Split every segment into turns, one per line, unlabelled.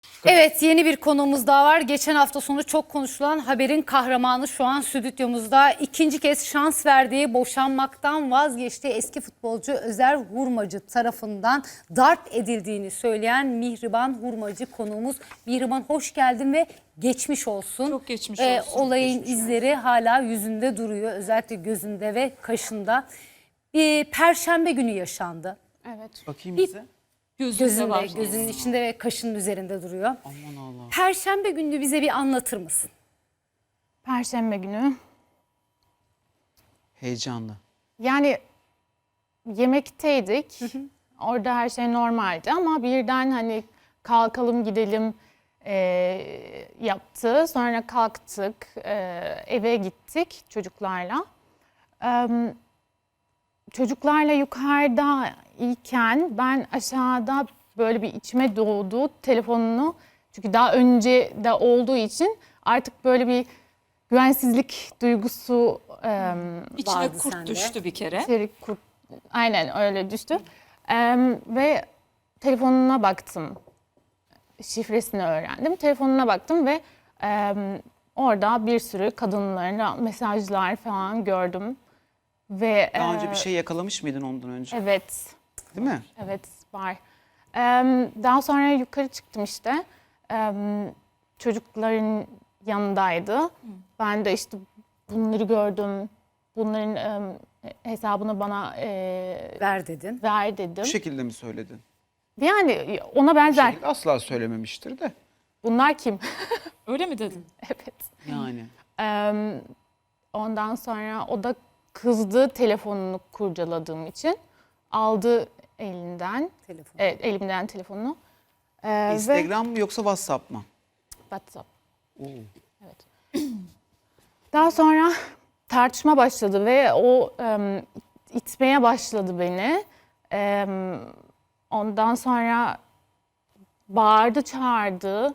Evet, yeni bir konuğumuz daha var. Geçen hafta sonu çok konuşulan haberin kahramanı şu an stüdyomuzda. İkinci kez şans verdiği, boşanmaktan vazgeçtiği eski futbolcu Özer Hurmacı tarafından darp edildiğini söyleyen Mihriban Hurmacı konuğumuz. Mihriban, hoş geldin ve geçmiş olsun.
Çok geçmiş olsun.
Olayın
Geçmiş
izleri hala yüzünde duruyor, özellikle gözünde ve kaşında. Bir Perşembe günü yaşandı.
Evet.
Bakayım
Bir-
bize.
Gözünde,
var.
gözünün içinde ve kaşının üzerinde duruyor.
Aman Allah.
Perşembe günü bize bir anlatır mısın?
Perşembe günü.
Heyecanlı.
Yani yemekteydik. Orada her şey normaldi ama birden hani kalkalım gidelim yaptı. Sonra kalktık, eve gittik çocuklarla. Çocuklarla yukarıda iken ben aşağıda böyle bir içime doğdu telefonunu. Çünkü daha önce de olduğu için artık böyle bir güvensizlik duygusu
İçine
Vardı
kurt
sende.
düştü bir kere.
aynen öyle düştü. Ve telefonuna baktım. Şifresini öğrendim. Telefonuna baktım ve orada bir sürü kadınların mesajlar falan gördüm. Ve
Daha önce bir şey yakalamış mıydın ondan önce?
evet.
Değil mi?
Evet, var. Daha sonra yukarı çıktım işte. Çocukların yanındaydı. Ben de işte bunları gördüm. Bunların hesabını bana
Ver dedin.
ver dedim.
Bu şekilde mi söyledin?
Yani ona
Bu
benzer.
şekilde asla söylememiştir de.
Bunlar kim?
Öyle mi dedin?
Evet.
Yani.
Ondan sonra o da kızdı telefonunu kurcaladığım için. Aldı elinden.
Telefon.
Evet, elimden telefonunu. Ve
Instagram mı yoksa WhatsApp mı?
WhatsApp.
Oo.
Daha sonra tartışma başladı ve o itmeye başladı beni. Ondan sonra bağırdı, çağırdı.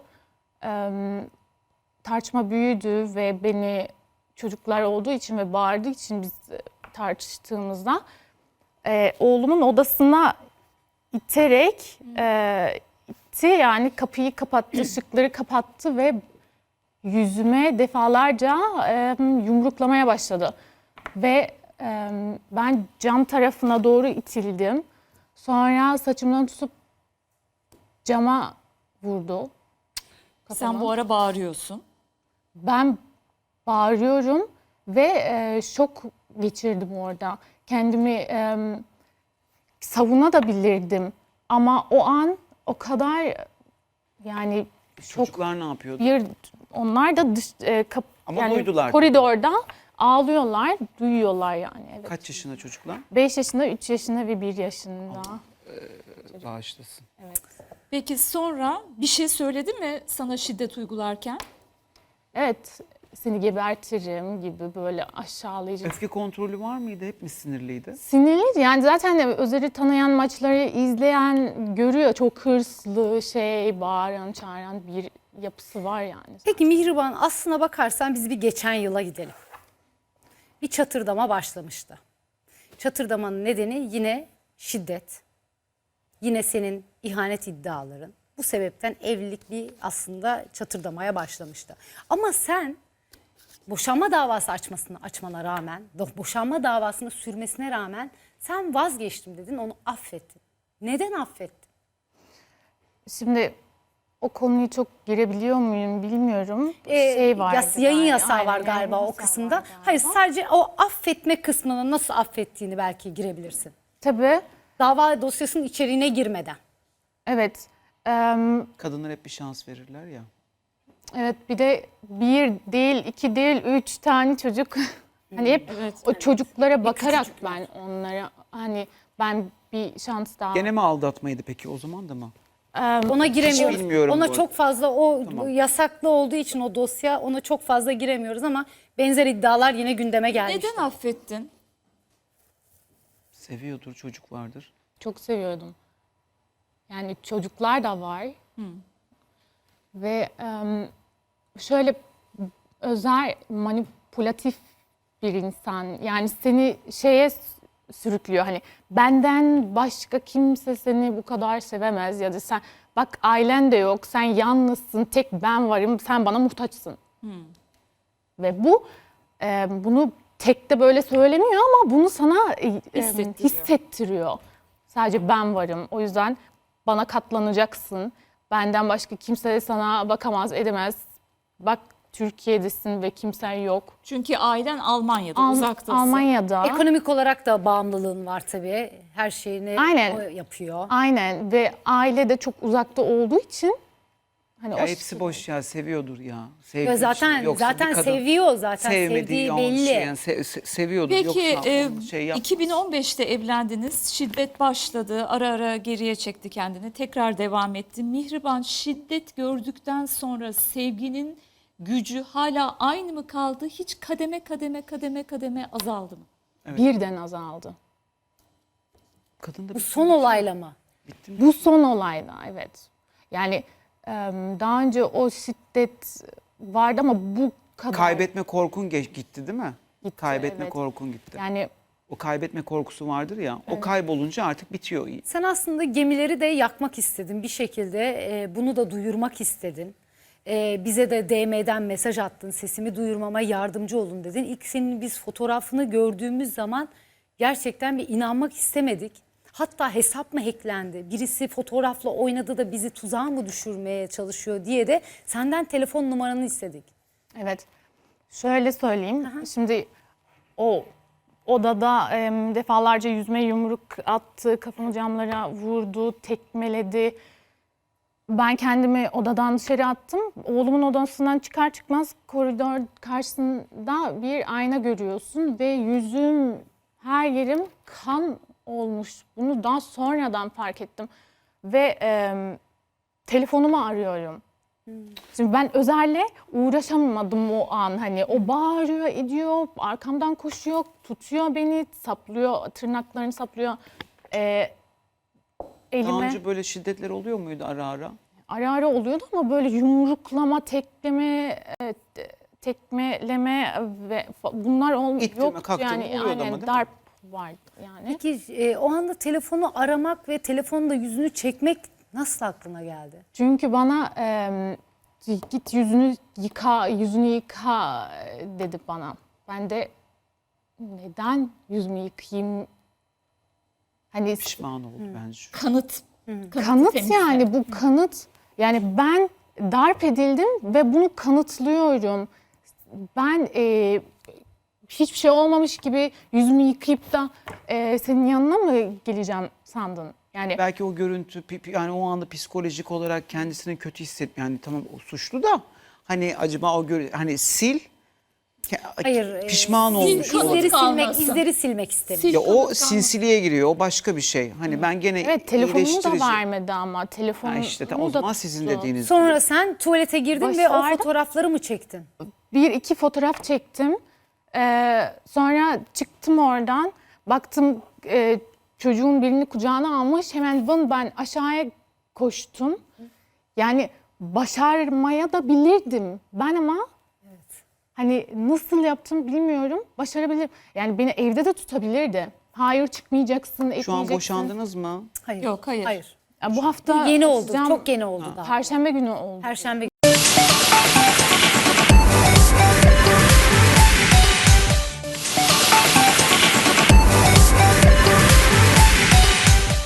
Tartışma büyüdü ve beni çocuklar olduğu için ve bağırdığı için biz tartıştığımızda oğlumun odasına iterek itti, yani kapıyı kapattı, ışıkları kapattı ve yüzüme defalarca yumruklamaya başladı. Ve ben cam tarafına doğru itildim. Sonra saçımdan tutup cama vurdu.
Sen bu ara bağırıyorsun.
Ben bağırıyorum ve şok geçirdim orada. Kendimi savunabilirdim. Ama o an o kadar yani şok.
Çocuklar ne yapıyordu?
Onlar da
Ama duydular.
koridorda ağlıyorlar, duyuyorlar yani. Evet.
Kaç yaşında çocuklar?
5 yaşında, 3 yaşında ve 1 yaşında.
Bağışlasın.
Peki sonra bir şey söyledi mi sana şiddet uygularken?
Evet, seni gebertirim gibi böyle aşağılayıcı.
Öfke kontrolü var mıydı? Hep mi sinirliydi?
Sinirli, yani zaten Özer'i tanıyan, maçları izleyen görüyor. Çok hırslı, bağıran, çağıran bir yapısı var yani.
Peki Mihriban, aslına bakarsan biz bir geçen yıla gidelim. Bir çatırdama başlamıştı. Çatırdamanın nedeni yine şiddet. Yine senin ihanet iddiaların. Bu sebepten evlilik bir aslında çatırdamaya başlamıştı. Ama sen boşanma davası açmana rağmen, boşanma davasını sürmesine rağmen sen vazgeçtim dedin, onu affettin. Neden affettin?
Şimdi o konuyu çok girebiliyor muyum bilmiyorum.
Yayın yasağı
Aynen,
var galiba
yayın
o
yasağı
kısımda.
var galiba.
Hayır, sadece o affetme kısmını nasıl affettiğini belki girebilirsin.
Tabii,
Dava dosyasının içeriğine girmeden.
evet.
Kadınlar hep bir şans verirler ya.
Evet, bir de bir değil, iki değil, 3 tane çocuk. Hani hep
Evet,
o çocuklara bakarak ben onlara hani ben bir şans daha.
Gene mi aldatmaydı peki o zaman da mı?
Ona giremiyoruz.
bilmiyorum
Ona
bu
çok fazla
Tamam.
yasaklı olduğu için o dosya, ona çok fazla giremiyoruz ama benzer iddialar yine gündeme gelmişti.
Neden affettin?
Seviyordur, çocuk vardır.
Çok seviyordum. Yani çocuklar da var. Ve şöyle Özer manipülatif bir insan. Yani seni sürüklüyor. Hani benden başka kimse seni bu kadar sevemez ya da sen bak ailen de yok, sen yalnızsın, tek ben varım, sen bana muhtaçsın. Ve bunu tek de böyle söylemiyor ama bunu sana hissettiriyor. Sadece ben varım. O yüzden bana katlanacaksın. Benden başka kimse sana bakamaz, edemez. Bak Türkiye'desin ve kimsen yok.
Çünkü ailen Almanya'da, uzaktasın.
Almanya'da.
Ekonomik olarak da bağımlılığın var tabii. Her şeyini
Aynen.
o yapıyor.
Aynen ve aile de çok uzakta olduğu için hani
Ya hepsi boş ya, seviyordur ya. Sevdiği
Ve
için.
zaten
Yoksa bir
zaten
kadın
seviyor, zaten
sevmediği
sevdiği
yani
belli.
Şey, yani seviyordur.
Peki
Yoksa onu şey yapmaz.
2015'te evlendiniz. Şiddet başladı. Ara ara geriye çekti kendini. Tekrar devam etti. Mihriban, şiddet gördükten sonra sevginin gücü hala aynı mı kaldı? Hiç kademe azaldı mı?
birden azaldı.
Kadın da
Bu son olayla mı?
Bu son olayda evet. Yani daha önce o şiddet vardı ama bu kadar.
kaybetme korkun gitti değil mi?
Gitti,
Kaybetme
evet.
korkun gitti.
Yani
O kaybetme korkusu vardır ya. O kaybolunca artık bitiyor.
Sen aslında gemileri de yakmak istedin bir şekilde, bunu da duyurmak istedin. Bize de DM'den mesaj attın, sesimi duyurmama yardımcı olun dedin. İlk senin biz fotoğrafını gördüğümüz zaman gerçekten bir inanmak istemedik. Hatta hesap mı hacklendi, birisi fotoğrafla oynadı da bizi tuzağa mı düşürmeye çalışıyor diye de senden telefon numaranı istedik.
evet. Şöyle söyleyeyim. Şimdi o odada defalarca yüzme yumruk attı, kafamı camlara vurdu, tekmeledi. Ben kendimi odadan dışarı attım. Oğlumun odasından çıkar çıkmaz koridor karşısında bir ayna görüyorsun ve yüzüm, her yerim kan olmuş. Bunu daha sonradan fark ettim. Ve telefonumu arıyorum. Şimdi ben Özer'le uğraşamadım o an. Hani o bağırıyor, ediyor, arkamdan koşuyor, tutuyor beni, saplıyor, tırnaklarını saplıyor.
Daha
Elime
önce böyle şiddetler oluyor muydu ara ara?
ara ara oluyordu ama böyle yumruklama, tekleme, tekmeleme ve bunlar
İttirme,
yoktu
kaktırma
yani.
oluyordu ama
Aynen,
değil mi?
darp vardı yani.
Peki o anda telefonu aramak ve telefonda yüzünü çekmek nasıl aklına geldi?
Çünkü bana git yüzünü yıka dedi bana. Ben de neden yüzümü yıkayayım? Hani
Pişman oldu bence.
Kanıt.
kanıt
temizle.
yani bu kanıt. Yani ben darp edildim ve bunu kanıtlıyorum. Ben hiçbir şey olmamış gibi yüzümü yıkayıp da senin yanına mı geleceğim sandın? Yani
Belki o görüntü yani o anda psikolojik olarak kendisini kötü yani tamam o suçlu da hani acaba o hani sil
Hayır.
pişman olmuş
kanıt
olabilir.
kalmasın.
izleri silmek istemiyor.
Sil
Ya o
kanıt kalmasın.
sinsiliğe giriyor. O başka bir şey. Hani ben gene
evet, telefonumu da
iyileştirici.
vermedi ama telefonumu
Ha işte o zaman sizin dediğiniz
Sonra sen tuvalete girdin ve o
Başardım.
fotoğrafları mı çektin?
bir iki fotoğraf çektim. Sonra çıktım oradan. Baktım çocuğun birini kucağına almış. Hemen ben aşağıya koştum. Yani başarmaya da bilirdim. Ben ama hani nasıl yaptım bilmiyorum. Başarabilirim. Yani beni evde de tutabilirdi. Hayır çıkmayacaksın, etmeyeceksin.
Şu an boşandınız mı?
Hayır.
Yok, hayır.
Ya bu hafta
Yeni oldu.
açacağım.
Çok yeni oldu daha.
Perşembe günü oldu.
Perşembe